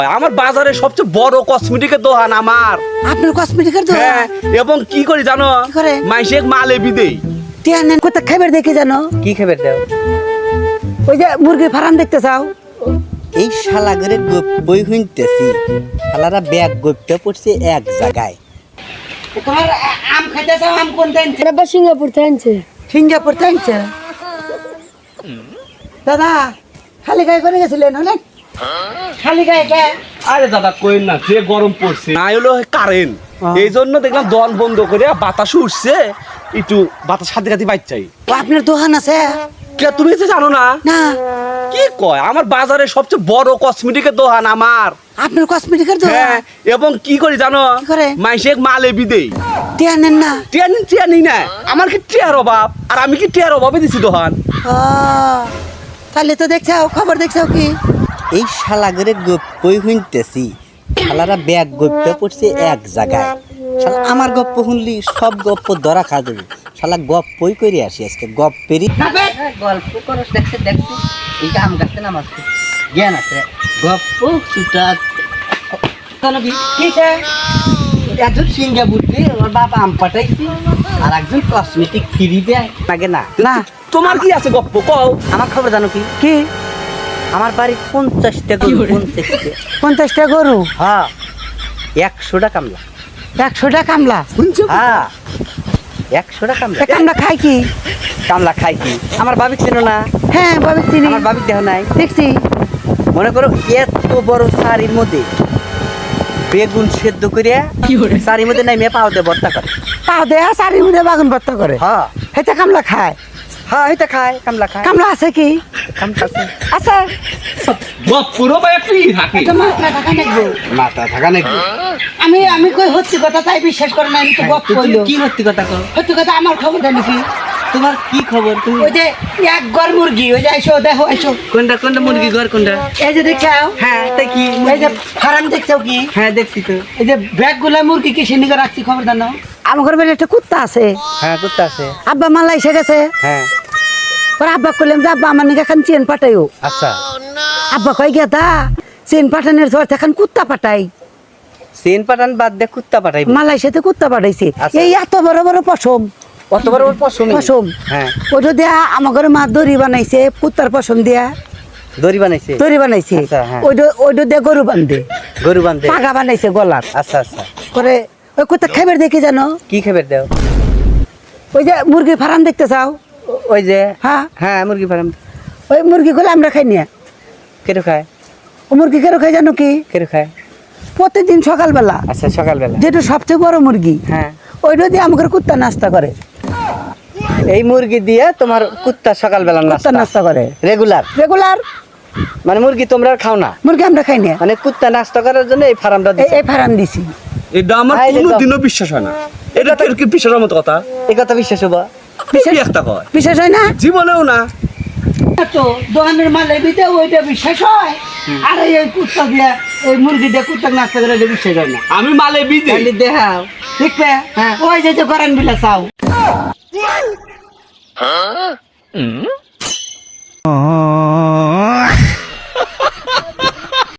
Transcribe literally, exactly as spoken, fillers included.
আমার বাজারে সবচেয়ে বড় কসমেটিকের দোকান আমার। আপনার কসমেটিকের দোকান? হ্যাঁ, এবং কি করি জানো? কি করে? মাইসে মালে বিদেই টিয়া নেন কোথা খাবার দেখে জানো? কি খাবার দাও? ওই যে মুরগি ফার্ম দেখতে চাও? এই শালা করে বই শুনতেছি, শালারা ব্যাগ গপ্তে পড়ছে এক জায়গায়। তোমার আম খাইতে চাও? আম কোন দেন? আবার সিঙ্গাপুর থেকে আনছে। সিঙ্গাপুর থেকে আনছে? দাদা খালি গায়ে করে গেছিলেন অনেক? খালি গায়ে কে? আরে দাদা কইন না, যে গরম পড়ছে না হলো কারেন্ট, এই জন্য দেখলাম দোকান বন্ধ করে বাতাস উঠছে, একটু বাতাস খাতে খাতে বাইর চাই। ও আপনার দোকান আছে? কে তুমি তো জানো না? না। কি কয়, আমার বাজারে সবচেয়ে বড় কসমেটিকের দোকান আমার। আপনার কসমেটিকের হ্যাঁ, দোকান? এবং কি করি জানো? কি করে? মাইসে মালে বিদেই টিয়া নেন না? টিয়া নিন টিয়া নিই না, আমার কি টিয়ার অভাব? আর আমি কি টিয়ার অভাবে দিছি দোকান? ও তাহলে তো দেখছাও, খবর দেখছাও কি? এই শালা করে বই শুনতেছি, শালারা ব্যাগ গপ্তে পড়ছে এক জায়গায়। শালা আমার গপ্প শুনলি সব গপ্প ধরা খা দেবে। শালা গপ্পই করে আসি আজকে, গপ্পেরই গল্প করস। দেখছে দেখছে এইটা আম গাছতে নাম আছে, জ্ঞান আছে, গপ্প সুটা একজন সিঙ্গাপুর দিয়ে ওর বাবা আম পাঠাইছি, আর একজন কসমেটিক ফ্রি দেয় লাগে না। না তোমার কি আছে গপ্প কও? আমার খবর জানো কি? কি? আমার বাড়ি পঞ্চাশটা গরু, পঞ্চাশটা। পঞ্চাশটা গরু? হ্যাঁ, একশোটা কামলা। একশোটা কামলা? হ্যাঁ, একশোটা কামলা। তা কামলা খাই কি? কামলা খাই কি? আমার বাবিক চেনো না? হ্যাঁ বাবু চিনি। আমার বাবিক দেহ নাই? দেখছি। মনে করো এত বড় শাড়ির মধ্যে বেগুন সেদ্ধ করে শাড়ির মধ্যে নাই মেয়ে পাও দিয়ে ভর্তা করে। পাও দেয়া চারি মুড়ে বাগুন ভর্তা করে? হ্যাঁ হেটা কামলা খায়? হ্যাঁ, এটা খায়, কামলা খায়। কামলা আছে কি? কামলা আছে। আছে। গপ্পুরও বা একই থাকে, এটা মাথা ঢাকা নাকবো। মাথা থাকা নাকি? আমি আমি কই হচ্ছে কথা তাই বিশ্বাস করে না, আমি তো গপ তুমি কইলো। কি সত্যি কথা কও? হচ্ছে কথা আমার খবর জানি কি? তোমার কি খবর? তুমি ওই যে এক ঘর মুরগি, ওই যে আইসো দেখো আইসো, কোনটা কোনটা মুরগি ঘর কোনটা? এই যে দেখছাও? হ্যাঁ, তাই কি? এই যে ফার্ম দেখছাও কি? হ্যাঁ, দেখছি তো। এই যে ব্যাগ গুলা মুরগি কি সেনিকে রাখছি খবর জানো? আমার ঘরে বেলে একটা কুত্তা আছে। হ্যাঁ, কুত্তা আছে। আব্বা মালা এসে গেছে। হ্যাঁ, পর আব্বা কইলাম যে আব্বা আমার নিকে এখন চেন পাঠাইও। আচ্ছা। আব্বা কই গেদা চেন পাঠানোর জোর এখন কুত্তা পাঠাই। সেন পাঠান বাদ দে কুত্তা পাঠাই। মালয়েশিয়াতে কুত্তা পাঠাইছে। আচ্ছা। এই এত বড় বড় পশম, কত বড় ওর পশম? পশম। হ্যাঁ, ওইটা দিয়া আমার ঘরে মা দড়ি বানাইছে, কুত্তার পশম দিয়া দড়ি বানাইছে। দড়ি বানাইছে। আচ্ছা, হ্যাঁ। ওইটা ওইটা দিয়ে গরু বান্ধে, গরু বান্ধে। পাগা বানাইছে গলার। আচ্ছা আচ্ছা। করে ওই কুত্তা খাবার দেখে জানো? কি খাবার দাও? ওই যে মুরগি ফার্ম দেখতে চাও? ওই যে হ্যাঁ, হ্যাঁ, মুরগি ফার্ম। ওই মুরগি গুলো আমরা খাই না। কেটে খায়? ও মুরগি কেন খাই জানো কি? কেটে খায়? প্রত্যেকদিন সকালবেলা আচ্ছা, সকালবেলা। যেটা সবচেয়ে বড় মুরগি, হ্যাঁ, ওইটা দিয়ে আমাদের কুত্তা নাস্তা করে। এই মুরগি দিয়ে তোমার কুত্তা সকালবেলা কুত্তা নাস্তা নাস্তা করে রেগুলার? রেগুলার। মানে মুরগি তোমরা আর খাও না? মুরগি আমরা খাই না, মানে কুত্তা নাস্তা করার জন্য এই ফার্মটা এই- দিছে। এই ফার্ম দিছি। এটা আমার আইলে তো- কোনোদিনও বিশ্বাস হয় না। এটা তো কি বিশ্বাসের মতো কথা? এই কথা বিশ্বাস হবা? বিশ্বাস একটা কয়, বিশ্বাস হয় না জীবনেও না। তো দোকানের মাল এবিতে ওইটা বিশ্বাস হয়, আর এই কুত্তা দিয়া ওই মুরগি দিয়ে কুত্তা নাস্তা করে এটা বিশ্বাস হয় না। আমি মালে বিদেই খালি দেখাও। দেখবে? হ্যাঁ, ওই যে যে করেন বিলা চাও।